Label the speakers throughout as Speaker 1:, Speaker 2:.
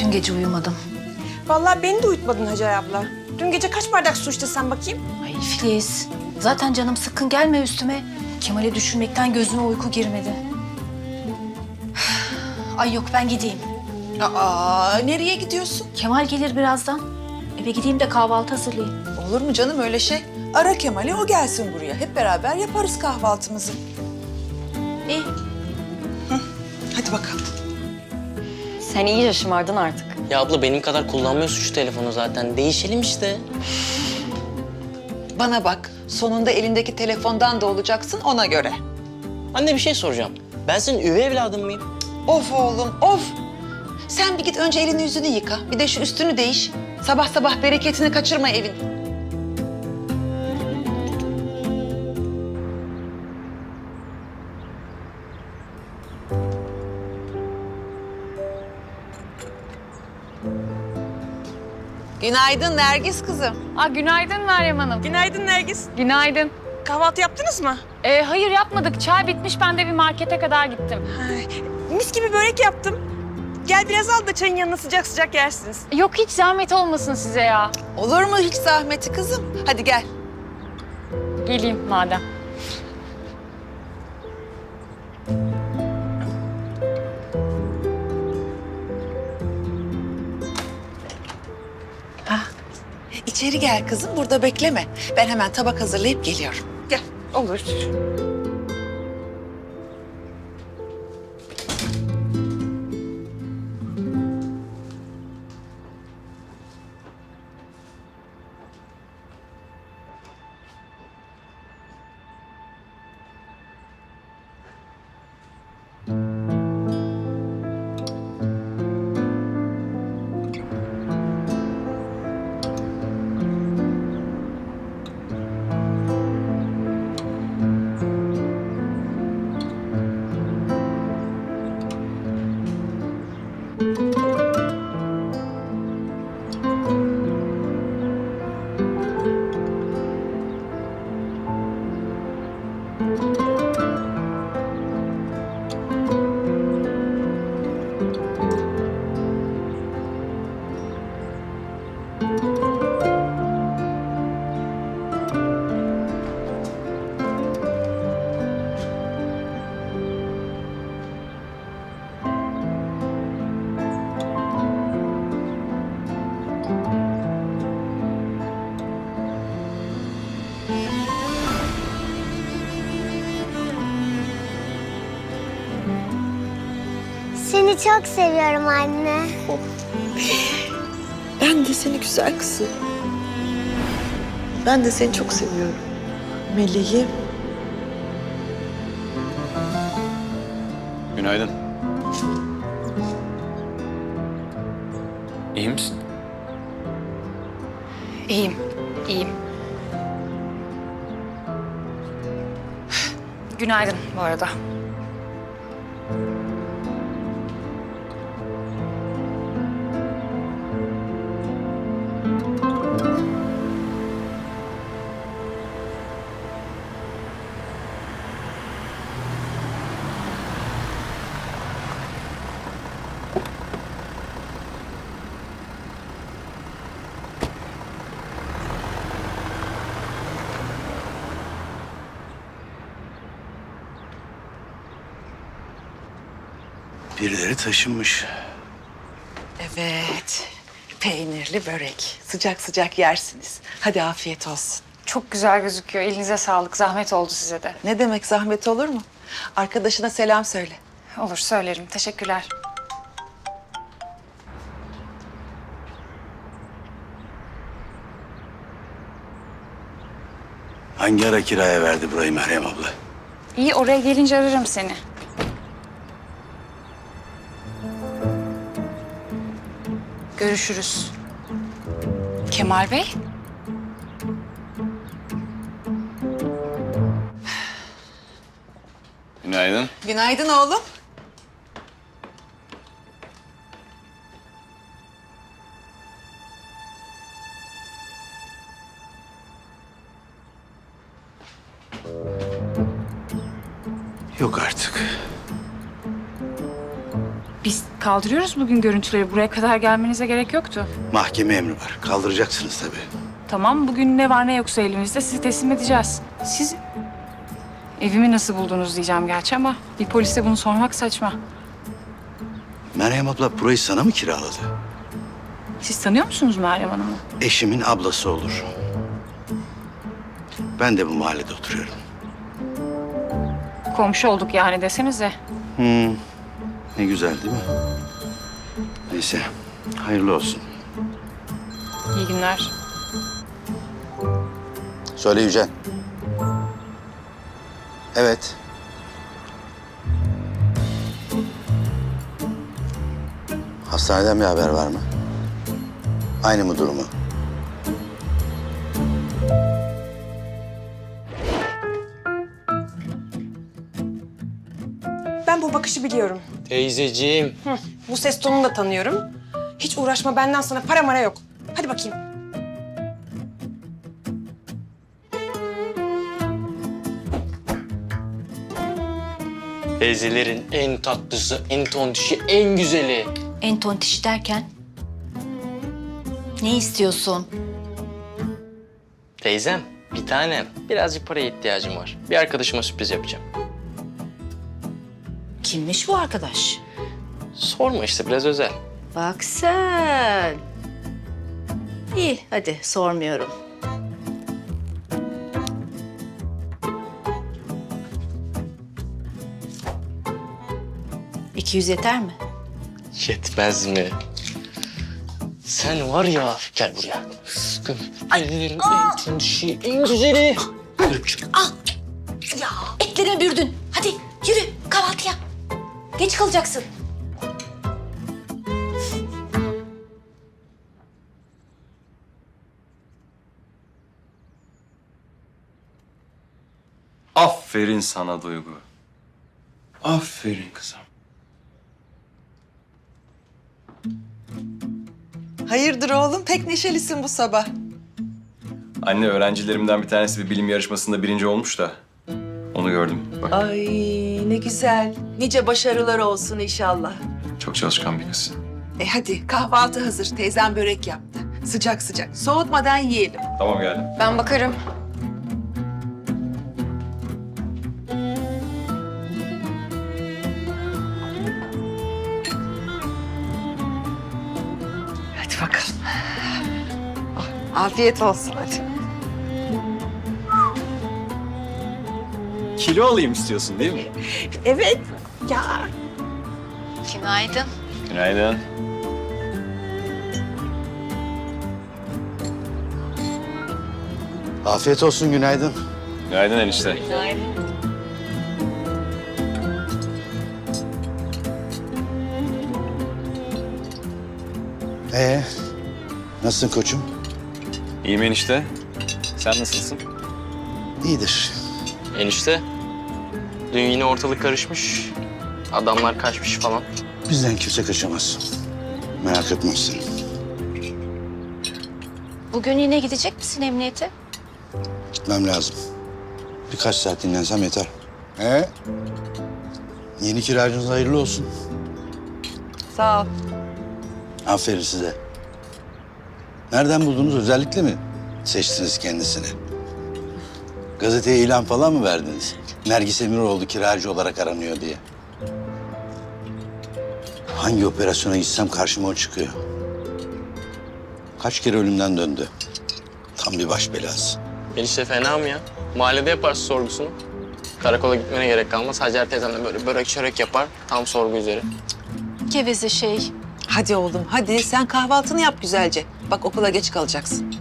Speaker 1: Bütün gece uyumadım.
Speaker 2: Vallahi beni de uyutmadın Hacer abla. Dün gece kaç bardak su içtin sen bakayım?
Speaker 1: Ay Filiz, zaten canım sıkkın, gelme üstüme. Kemal'i düşünmekten gözüme uyku girmedi. Ay yok, ben gideyim.
Speaker 3: Aa, nereye gidiyorsun?
Speaker 1: Kemal gelir birazdan. Eve gideyim de kahvaltı hazırlayayım.
Speaker 3: Olur mu canım öyle şey? Ara Kemal'i, o gelsin buraya. Hep beraber yaparız kahvaltımızı.
Speaker 1: İyi.
Speaker 3: Hadi bakalım.
Speaker 4: Sen iyice şımardın artık.
Speaker 5: Ya abla benim kadar kullanmıyorsun şu telefonu zaten. Değişelim işte.
Speaker 3: Bana bak, sonunda elindeki telefondan da olacaksın ona göre.
Speaker 5: Anne bir şey soracağım. Ben senin üvey evladın mıyım?
Speaker 3: Of oğlum, of! Sen bir git önce elini yüzünü yıka. Bir de şu üstünü değiş. Sabah sabah bereketini kaçırma evin. Günaydın Nergis kızım.
Speaker 4: Günaydın Meryem Hanım.
Speaker 2: Günaydın Nergis.
Speaker 4: Günaydın.
Speaker 2: Kahvaltı yaptınız mı?
Speaker 4: Hayır yapmadık. Çay bitmiş. Ben de bir markete kadar gittim.
Speaker 2: Ay, mis gibi börek yaptım. Gel biraz al da çayın yanına sıcak sıcak yersiniz.
Speaker 4: Yok hiç zahmet olmasın size ya.
Speaker 3: Olur mu hiç zahmeti kızım? Hadi gel.
Speaker 4: Geleyim madem.
Speaker 3: İçeri gel kızım, burada bekleme. Ben hemen tabak hazırlayıp geliyorum. Gel.
Speaker 2: Olur.
Speaker 6: Seni çok seviyorum anne.
Speaker 7: Ben de seni güzel kızım. Ben de seni çok seviyorum. Meleğim.
Speaker 8: Günaydın. İyi misin?
Speaker 4: İyiyim. İyiyim. Günaydın bu arada.
Speaker 8: Birileri taşınmış.
Speaker 3: Evet. Peynirli börek. Sıcak sıcak yersiniz. Hadi afiyet olsun.
Speaker 4: Çok güzel gözüküyor. Elinize sağlık. Zahmet oldu size de.
Speaker 3: Ne demek zahmet olur mu? Arkadaşına selam söyle.
Speaker 4: Olur söylerim. Teşekkürler.
Speaker 8: Hangi ara kiraya verdi burayı Meryem abla?
Speaker 4: İyi oraya gelince ararım seni. Görüşürüz. Kemal Bey?
Speaker 8: Günaydın.
Speaker 3: Günaydın oğlum.
Speaker 8: Yok artık.
Speaker 4: Biz kaldırıyoruz bugün görüntüleri. Buraya kadar gelmenize gerek yoktu.
Speaker 8: Mahkeme emri var. Kaldıracaksınız tabii.
Speaker 4: Tamam, bugün ne var ne yoksa elimizde sizi teslim edeceğiz. Siz evimi nasıl buldunuz diyeceğim gerçi ama bir polise bunu sormak saçma.
Speaker 8: Meryem abla burayı sana mı kiraladı?
Speaker 4: Siz tanıyor musunuz Meryem Hanım'ı?
Speaker 8: Eşimin ablası olur. Ben de bu mahallede oturuyorum.
Speaker 4: Komşu olduk yani desenize.
Speaker 8: Ne güzel değil mi? Neyse, hayırlı olsun.
Speaker 4: İyi günler.
Speaker 8: Söyle Yücel. Evet. Hastaneden bir haber var mı? Aynı mı durumu?
Speaker 2: Ben bu bakışı biliyorum.
Speaker 5: Teyzeciğim.
Speaker 2: Bu ses tonunu da tanıyorum. Hiç uğraşma, benden sana para mara yok. Hadi bakayım.
Speaker 5: Teyzelerin en tatlısı, en tontişi, en güzeli.
Speaker 1: En tontiş derken? Ne istiyorsun?
Speaker 5: Teyzem, bir tanem. Birazcık paraya ihtiyacım var. Bir arkadaşıma sürpriz yapacağım.
Speaker 1: Kimmiş bu arkadaş?
Speaker 5: Sorma işte, biraz özel.
Speaker 1: Bak sen. İyi, hadi sormuyorum. $200 yeter mi?
Speaker 5: Yetmez mi? Sen var ya, gel buraya. Teyzelerin en tontişi, en güzeli.
Speaker 1: Ya etlerimi bürdün. Hadi yürü kahvaltıya. Geç kalacaksın.
Speaker 9: Aferin sana Duygu. Aferin kızım.
Speaker 3: Hayırdır oğlum? Pek neşelisin bu sabah.
Speaker 9: Anne, öğrencilerimden bir tanesi bir bilim yarışmasında birinci olmuş da onu gördüm. Bak,
Speaker 7: Ay ne güzel. Nice başarılar olsun inşallah.
Speaker 9: çok çalışkan bir kız.
Speaker 7: Hadi kahvaltı hazır. Teyzem börek yaptı. Sıcak sıcak. Soğutmadan yiyelim.
Speaker 9: Tamam, geldim.
Speaker 2: Ben bakarım.
Speaker 7: Hadi bakalım. Afiyet olsun hadi.
Speaker 9: Kilo alayım istiyorsun değil mi?
Speaker 7: Evet. Ya.
Speaker 1: Günaydın.
Speaker 9: Günaydın.
Speaker 8: Afiyet olsun, günaydın.
Speaker 9: Günaydın enişte.
Speaker 8: Nasılsın koçum?
Speaker 9: İyiyim enişte. Sen nasılsın?
Speaker 8: İyidir.
Speaker 5: Enişte, dün yine ortalık karışmış. Adamlar kaçmış falan.
Speaker 8: Bizden kimse kaçamaz. Merak etme sen.
Speaker 1: Bugün yine gidecek misin emniyete?
Speaker 8: Gitmem lazım. Birkaç saat dinlensem yeter. Yeni kiracınız hayırlı olsun.
Speaker 7: Sağ ol.
Speaker 8: Aferin size. Nereden buldunuz? Özellikle mi seçtiniz kendisini? Gazeteye ilan falan mı verdiniz? Nergis Emiroğlu kiracı olarak aranıyor diye. Hangi operasyona gitsem karşıma o çıkıyor. Kaç kere ölümden döndü. Tam bir baş belası.
Speaker 5: Enişte fena mı ya? Mahallede yaparsın sorgusunu. Karakola gitmene gerek kalmaz. Hacer teyzemle böyle börek çörek yapar. Tam sorgu üzeri.
Speaker 1: Geveze şey.
Speaker 3: Hadi oğlum hadi sen kahvaltını yap güzelce. Bak okula geç kalacaksın.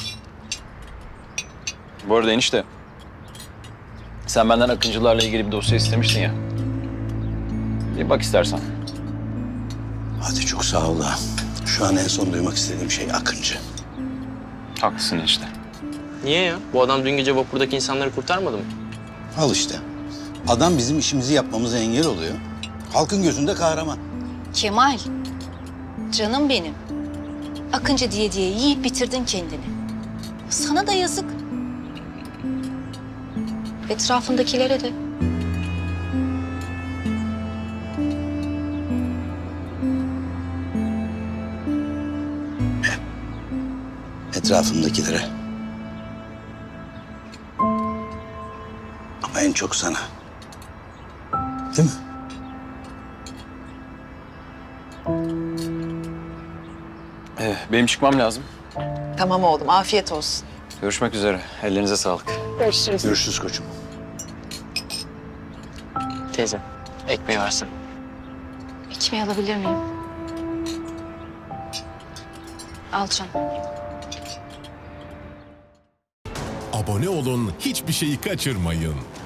Speaker 9: Bu arada enişte, sen benden Akıncılarla ilgili bir dosya istemiştin ya. Bir bak istersen.
Speaker 8: Hadi çok sağ ol da. Şu an en son duymak istediğim şey Akıncı.
Speaker 9: Haklısın enişte.
Speaker 5: Niye ya? Bu adam dün gece vapurdaki insanları kurtarmadı mı?
Speaker 8: Al işte. Adam bizim işimizi yapmamıza engel oluyor. Halkın gözünde kahraman.
Speaker 1: Kemal. Canım benim. Akıncı diye yiyip bitirdin kendini. Sana da yazık. Etrafındakilere de.
Speaker 8: etrafımdakilere. Ama en çok sana. Değil mi?
Speaker 9: Benim çıkmam lazım.
Speaker 3: Tamam oğlum, afiyet olsun.
Speaker 9: Görüşmek üzere. Ellerinize sağlık.
Speaker 8: Görüşürüz koçum.
Speaker 5: Teyze, ekmeği versin.
Speaker 1: Ekmeği alabilir miyim? Al canım.
Speaker 10: Abone olun, hiçbir şeyi kaçırmayın.